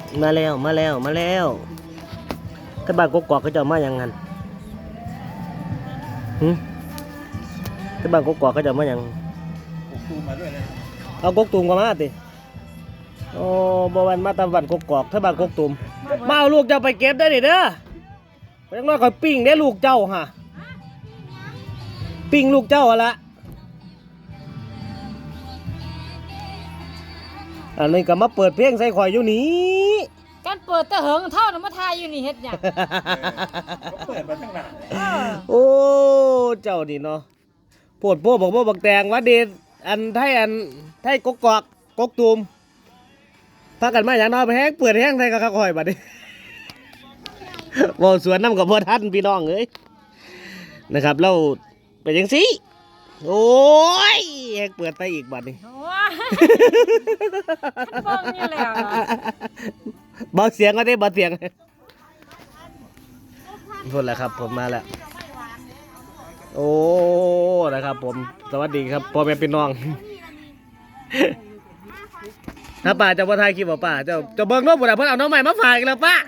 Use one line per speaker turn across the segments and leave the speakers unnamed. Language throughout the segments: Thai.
มาแล้วถ้าบ้านกกอกก็จะมาอย่างนั้นถ้าบ้านกกอกก็จะมาอย่าง
ตูมมาด้วยนะ
เอากกตูมก็มาติโอ้บ่วันมาตะวันกกอกถ้าบ้านกกตูมมาเอาลูกเจ้าไปเก็บได้ดิเด้อไปยังน้อยก่อนปิ้งได้ลูกเจ้าฮะปิ้งลูกเจ้าละอันนี้ก็มาเปิดเพลงใส่ข่อยอยู่นี่
การเปิดตะเหิงเท่าน้ำมาทายอยู่นี่เฮ็ดหยัง
เขาเปิดมาตั้งนาน
โอ้เจ้านี่เนาะปวดพวกบอกว่าบักแตงว่าเดชอันไทยกกอกกกตูมพากันมาอย่างน้อยไปแห้งเปิดแห้งไทยกับข้าวคอยบัดนี้บ่สวนน้ำกับพ่อท่านพี่น้องเอ้ยนะครับเราเป็นยังสิโอ้ยแห้งเปิดไปอีกบัดนี้
ฟังนี่แล้ว
เบาเสียงก็ได้เบาเสียงพูดแล้วครับผมมาแล้วโอ้นะครับผมสวัสดีครับพ่อแม่พี่น้องถ้าป้าจะมาถ่ายคลิปป้าจะเบิ่งน้องบุญเพิ่นเอาน้องใหม่มาฝากอีกแล้วป้า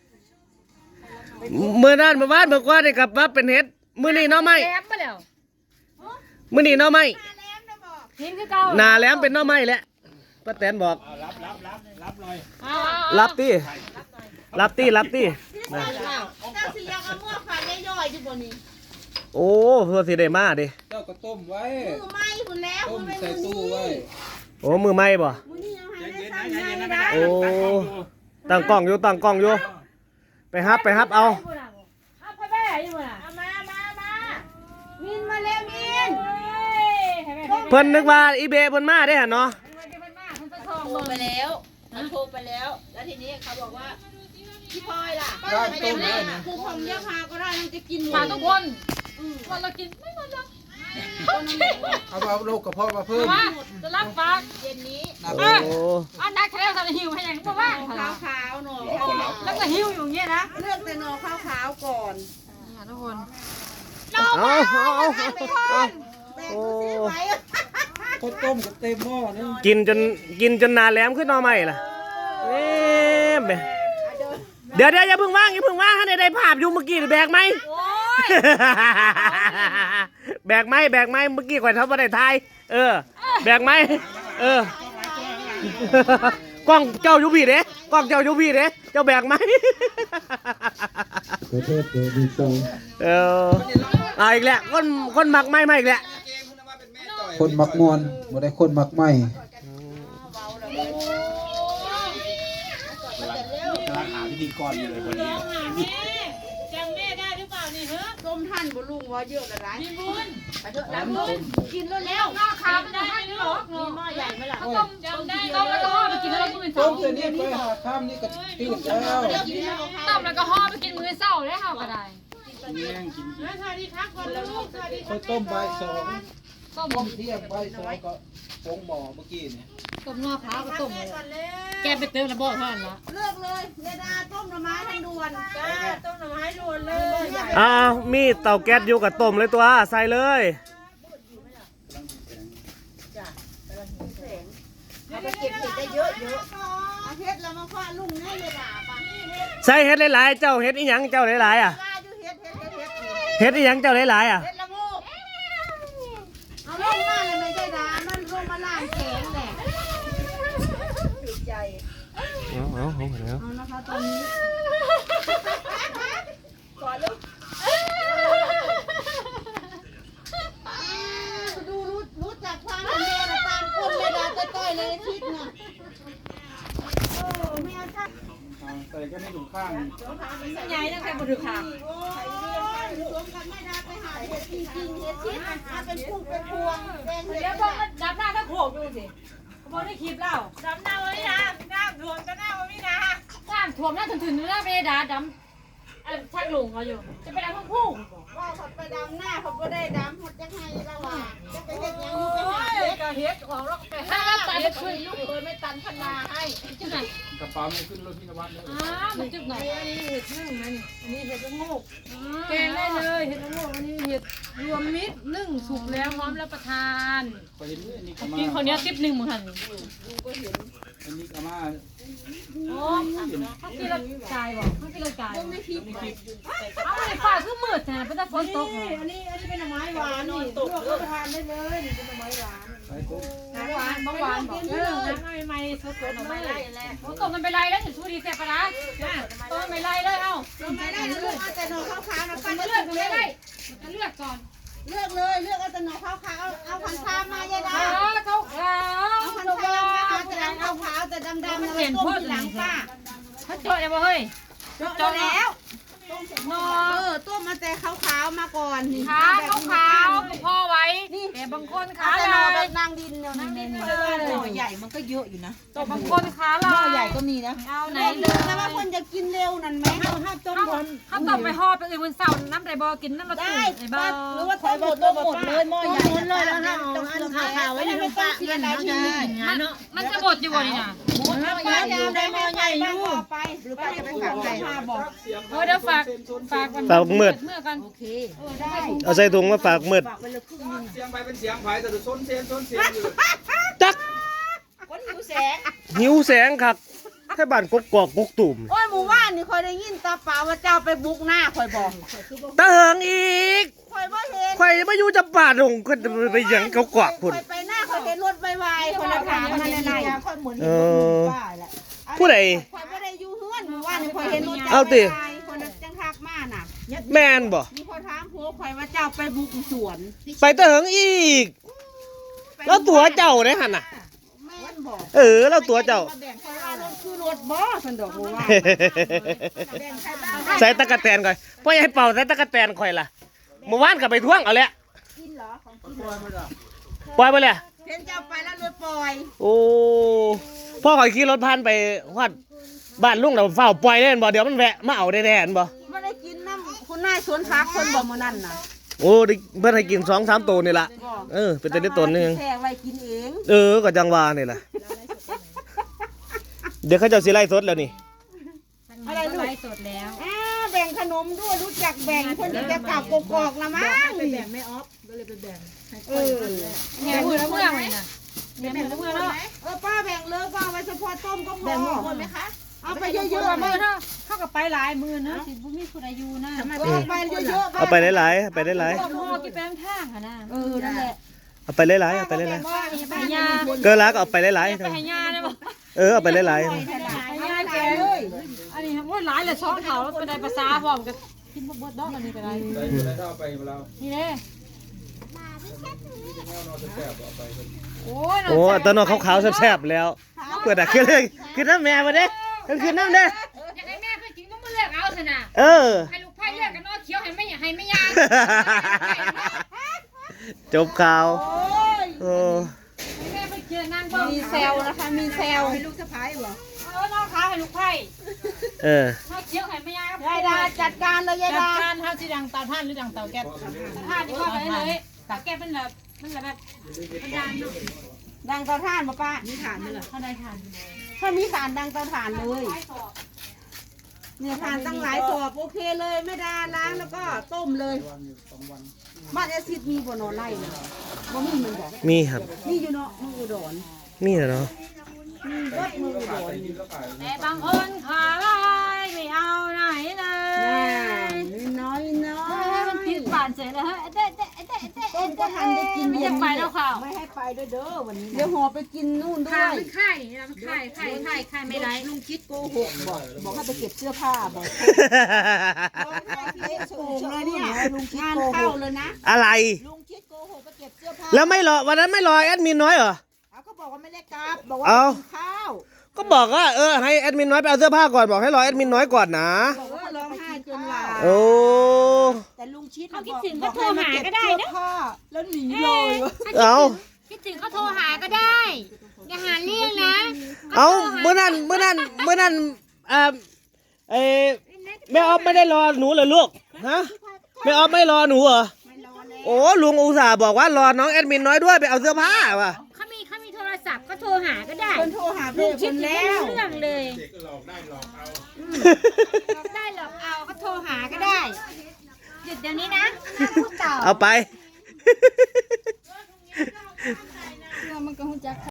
เมื่อนั้นเมื่อวานเมื่อก่อนนี่ครับว่าเป็นเฮ็ดมื้อนี้น้องใหม่
แหลมมาแล้ว
มื้อนี้น้องใหม่
เห็นคือเก่า
หน้าแหลมเป็นน้องใหม่แหละป้าแตนบอก
รับหน่อย
รับตี้รับตี้
เจ้าสิยังเอามื่อฝากย่อยๆอยู่บนนี้
โอ้เพื่อสิได้มาดิ
เจ้าก็ต้มไว้
มือไม้คุณแล้ว
ต้มใส่ตู้ไว้
โอ้มือไม้บ่โอ้ตั้งกล้องอยู่ไปฮับเอา
ไปแม่อยู่น่ะ
มามินมาแล้วมิน
เพิ่นนึกว่าอีเบเพิ่นมาได้หั่นเนาะ
โทรไปแล้วแล้วทีนี้เขาบอกว่าพี่พลอยล่ะไม่ได้แม่คือทำเยอะพาก็ได้มันจะกิน
มาทุกคนวันเรากินไม่หมดหรอก
เอาโลกกระเพาะมาเพิ่ม
จะรับฝาก
เย็นนี้
อันนักแค่ทำหิวให้ยังเพราะว่า
ขาวหน่อ
แล้วก็หิวอยู่เงี้ยนะ
เลือกแต่หน่อขาวก่อน
ทุกคน
โอ้
ข้าวต้มกับเต็มหม้อนึง
กินจนหน้าแหลมขึ้นหน่อไม้ล่ะเดี๋ยวอย่าเพิ่งว่างให้ได้ภาพอยู่เมื่อกี้แบกไหมแบกไหมเมื่อกี้ข่อยทำมาได้ทายแบกไหมกล้องเจ้าอยู่พี่เด้เจ้าแบกไหมอีกแล้วคนมักไม่อีกแล้ว
คนมักมวนบ่ได้คนมักไม่กำลังหาพิธีกรอยู่เลยวันนี้
จำแม่ได้หรือเปล่านี่เฮ้
ต้มท่านบุลุงว่าเยอะละไร
มีบุญ
ไปเถอะน้ำบุญกินแล้ว
หน้าขาวมันได้ไหมหรอ
มีหม้อใหญ่ไหมล่ะ
ต้มจำได้ต้มแล้วก็ห่อไปกินแล้วก็มือเศร้า
ต้มแต่นี่ไปหาข้ามนี่ก็ตื่นแล้ว
ต้มแล้วก็ห่อไปกินมือเศร้าได้ห่อก็ได้
แย่งกิน
สวัสดีครับคนลูกสวัสดี
ข้าวต้มใบ2
ต้ม
เที่ยงใบ2ก็ฟงหม้อเมื่อกี้เนี่ย
ต้มหน้าขาวก็ต้มแกไปเติมระเบิดเท่านั้นละ
เลือกเลยเยดาต้มหน่อไม้ทันด่วนต้มหน่อไม้ด่วนเลย
มีเตาแก๊สอยู่กับต้มเลยตัวใส่เลย
เอาไปเก็บเห็ดได้เยอะเอาเห็ดแล้วมาฟาดลุงให้เยดาปะ
ใส่เห็ดหลายๆเจ้าเห็ดอีหยังเจ้าหลายๆเห็ดอีหยังเจ้าหลายๆ
เห็ดละงูเอาลงมาเลยไม่ใช่ดามันลงมาล่างแข็งแหละถูกใจเอานะคะตอนนี้ก่อนลูกดูรู้จักความเป็นแม่ตามคนเวลาต้อยๆเลยคิดนะแม่ท่าน
ใส่ก็ไม่ถูกข้าง
ใหญ่ตั้งแต่บนถือขา
สวมกันไม่ได้ไปหาเห็ดจริงๆเห็ดชิ้นมาเป็นพวงแดงเห็ด
เดี๋ยวพวกมันดับหน้าถ้าโขกดูสิเขาบอกได้คลิปแล้วดับหน้าไว้นะหน้าถ่วมก็หน้าไว้ไม่นะหน้าถ่วมหน้าถึงหน้าไปด่าดำชักหลงเขาอยู่จะไปดำทั้งคู่
ว่าเขาไปดำหน้าเขาก็ได้ดำหมดยังไงเราอ่ะจะไปเห็ดยังอยู่ไปหา
เห็ดของเราไปหาตันขึ้นลูกเคยไม่ตันพนาให้จังไหน
กระเป๋าไม่ขึ้นรถพินวัตเลย
มันจุดไหนอันนี้เห็ดนึ่งนะนี่อันนี้เห็ดละโงกแกงได้เลยเห็ดละโงกอันนี้เห็ดรวมมิตรนึ่งสุกแล้วพร้อมรับประทานกินคนนี้ติ๊บหนึ่งเหมือนกัน
อันนี้ก็มา
โอ้เขากินแล้วจ่ายบอกเขากินแล้วจ่ายเอาไปฝากคือมืดแทนเป็นแต่ฝนตก
อันนี้เป็นหน่อไม้หวานนี่ลวกก็ทานได้เลยนี่เป็นหน่อไม้หวานหวานบางหวานบอกน้ำใหม่ๆสดๆหน่อไม้ไล่แหละ
ฝนตกมันไปไล่แล้วถึงชูดีเสียปะนะต้นไม่ไล่เลยเอ้า
หน่อไม้ไล่เลือกเอาแต่หน่อขาวๆนะ
มั
ป้าน
เลือกไม่ไล่มันเลือกก่อน
เลือกเลยเลือกเอาแต่หน่อขาวๆเอาพันชามายายดา
เขาขาว
เอาพันชามมาเอาแต่ขาวๆแต่ดำๆนะไว้ต้มทีหลังป้า
เขาเจาะเลยบ่เฮ้ย
เจาะแล้วต้มมาแต่ขาวๆมาก่อนนี่
ขาขาวพอไว้แต่บางคนขา
แต่
ลา
หน่อแบ
ย
บนางดินเนี่ยนั่งดิน
หน่อใหญ่มันก็เยอะอยู่นะ
บางคนขาลาย
หม้อใหญ่ก็มีนะ
เอาไหน
ต้ม
เล
เลย ยนะว่าคนจะกินเร็วนั่นไหมถ้าต้มบน
เขาต้องไปห่อไปอื่นบนเสาน้ำไดบอกินน้ำละตุ้
ได้
ไอ้บ้า
หรือว่าต้มหมดเลยหม้อใหญ่เลยแล้วนะเอาอันขาวๆไว้ในไม่ต้องเสียดายชีวิต
มันจะบดอยู่บ่นี่น่ะ
หมดแล้วป้าจะได้หม้อใหญ่อยู่ไปหรือป้าจะไปฝากไก่ป้าบอก
เดี๋ยวฝากกัน
ฝากมืด
เมื่อกัน
โอเค
ได้
เอาใส่ถุงมาฝากมืด
ฝากไปเลยครึ่งนึง
เสียงไปเป็นเสียงไผแต่ส้นเสียงอยู่
จัก
คนหิวแสง
หิวแสงคักแค่บ้านกกอกกกตุ่ม
โอ้ยหมู่บ้านนี่คอยได้ยินตาเปล่าว่าเจ้าไปบุกหน้าคอยบอก
ตะเหิงอีก
คอยบ่เห็น
ข่อยมาอยู่จำปาดงก็ไปหยังเขากอกพุ่น
คอยไปหน้าคอยเห็นรถไวๆคนละถามมาในไหน
ค่อยเหมือน
เออ
ป้าแหละ
ผู้ใด
คอยไม่ได้อยู่เฮือนหมู่บ้านนี่คอยเห็นรถ
เอาติ
คนจังทักมาน่ะ
แม่นบ่
มีคนถามผัวคอยว่าเจ้าไปบุกสวน
ไปตะเหิงอีก แล้วตัวเจ้าได้หั่นน่ะ
แม่นบอก
เออแล้วตัวเจ้า
แบ่งคอยว่ารถคือรถบ่สันดอกหมู่บ้านแบ่งใครบ้าง
ใส่ตะกะแตนก่อนพ่ออย่าให้เป่าใส่ตะกะแตนข่อยล่ะเมื่อวานก็ไปท่วงเอาแหละ
กินเหรอของกิน
ปล่อยไปเลย
เห็นเจ้าไปแล้วรถปล่อย
โอ้พ่อข่อยขี่รถผ่านไปฮอดบ้านลุงแล้วเฝ้าปล่อยเล่นบ่เดี๋ยวมันแวะมาเอาแน่ๆอันบ่
ไม่ได้กินน้ำคุณนายสวนพักคนบอกมื้อนั้นน่ะ
โอ้ได้เพิ่นให้กิน 2-3 ตัวนี่ล่ะเออเป็นแต่ได้ตนนึง
แช่ไว้กินเอง
เออก็จังว่านี่ล่ะเดี๋ยวเขาเจ้าสิไล่สดแล้วนี่
อะไรลูกไลฟ์สดแล้ว
แบ่งขนมด้วยรู้จักแบ่งคนจะกลับกกอกละมั้ง
ไปแบ่งไม่ออฟก็เลยไปแบ่งให้
เอ
ค่อย
อ
แหงมือเมื่อเลยน่ะแหงมือเมื่อแล้ว
ป้าแบ่งเลยป้าไว้เฉพาะต้มก็พอ
แบ่งหมดไหมคะ
เอาไปเยอะ
เมื่อเท่ากับไปหลายมือนะสิบุมีผู้ใดอยู่นะ
เอาไปเยอะๆ
เอาไปหลายๆเอาไปหลาย
พ่อกินไปทางค่ะนะ
นั่นแหละ
ๆเอาไปหลายๆเอาไปหลาย
ว่าไปยา
ๆเกินละก็เอาไปหลาย
ไปให้ยาได้บ่
ๆเออเอาไปหลาย
ให้ยาแกเลยอันนี้ว่าหลายเลย2เท่าแล้วเป็นได้ภาษาพร้อมกันกินบ่เบิดดอกอันนี้ก็ได้
ได้เท่าไปเรา
นี่เด้ โอ้ย
ๆโอ้ตอนนอนขาวๆแซ่บๆแล้วเปิดอ่ะคือน้ำแม่มาเด้คือน้ำเด้
อยากให้แม่เคยกินต้องมาเลือกเอาซะนะ
เออ
ให้ลูกไผ่เลือกกันเนาะเขียวให้ไม่ยาง
จบข่าว
โอ้ย
โอ้
แม่ไปเจอนางบ่
มีเซลนะคะมีเซล
ให้ลูกสะพ้ายเหรอ
น้องขาให้ลูกไผ่
เออ
เฮาเขียวให้ไม่ยาง
ยายดาจัดการเลยยาย
จัด
ดา
การเท่าที่ดังเตาท่านหรือดังเตาแก๊ส
ผ้าที่พ่อไปเลยตาแก้เป็นแบบมันแบบมันยางเนาะ
ดังเตาถ่านมาป้า
มีฐานด้วยเหรอ
เท่าใดทาน
ถ้ามีสารดังเตาถ่านเลยเนี่ยถ่านตั้งหลายสอบโอเคเลยไม่ได้ล้างแล้วก็ต้มเลยบ้านแอซิดมีบ่นอนไล่เลยบ่มีมันบอก
มีครับ
มีอยู่เนาะมืออุดร
มีเหรอเนาะ
มีวัดมืออุดร
แต่บางคนขาลายไม่เอาไหนเล
น้อย
ย
น้อย
มันผิดบานเสร็จแล้วฮะเด้
ต้มก็ทันได้กิน
ไม่จะไปแล้วข่าว
ไม่ให้ไปด้วยเด้อวันนี้
เดี๋ยวห่อไปกินนู่นด้
ข่า
วย
มันไข่มันไข่ไม่ไร
ลุงคิดโกหกบอกให้ไปเก็บเสื้อผ้าบอก
โอ่งเลยเนี่ยงานเข้าเลยนะ
อะไร
ลุงคิดโกหกไปเก็บเสื้อผ้า
แล้วไม่รอวันนั้นไม่รอแอดมินน้อยเหรอ
เขาก็บอกว่าไม่ได้กลับบอกว่า
เอา
กินข้าว
ก็บอกว่าให้แอดมินน้อยไปเอาเสื้อผ้าก่อนบอกให้รอแอดมินน้อยก่อนนะ
บอกว่าร้องไห้จนหลา
โอ้
แต่ลุงชิด
เขาคิดถึงก็โทรหาก็ได้นะ
แล้วหนีเลย
เอา
คิดถึงเขาโทรหาก็ได้ อย่าหาเรื่องนะ
เอาเมื่อนั้นแม่ออฟไม่ได้รอหนูเหรอลูกฮะแม่ออฟไม่รอหนูเหรอโอ้ลุงอุตส่าห์บอกว่ารอน้องแอดมินน้อยด้วยไปเอาเสื้อผ้าว่ะ
เขามีโทรศัพท์ก็โทรหาก็ได้
คนโทรหาเพื่อนคนแล้ว
เรื่องเลยหลอกได้หลอกเอาก็โทรหาก็ได้หยุดเดี๋ยวนี้นะห้ามพูดต่อ
เอาไป
มันก็หุ่นจัก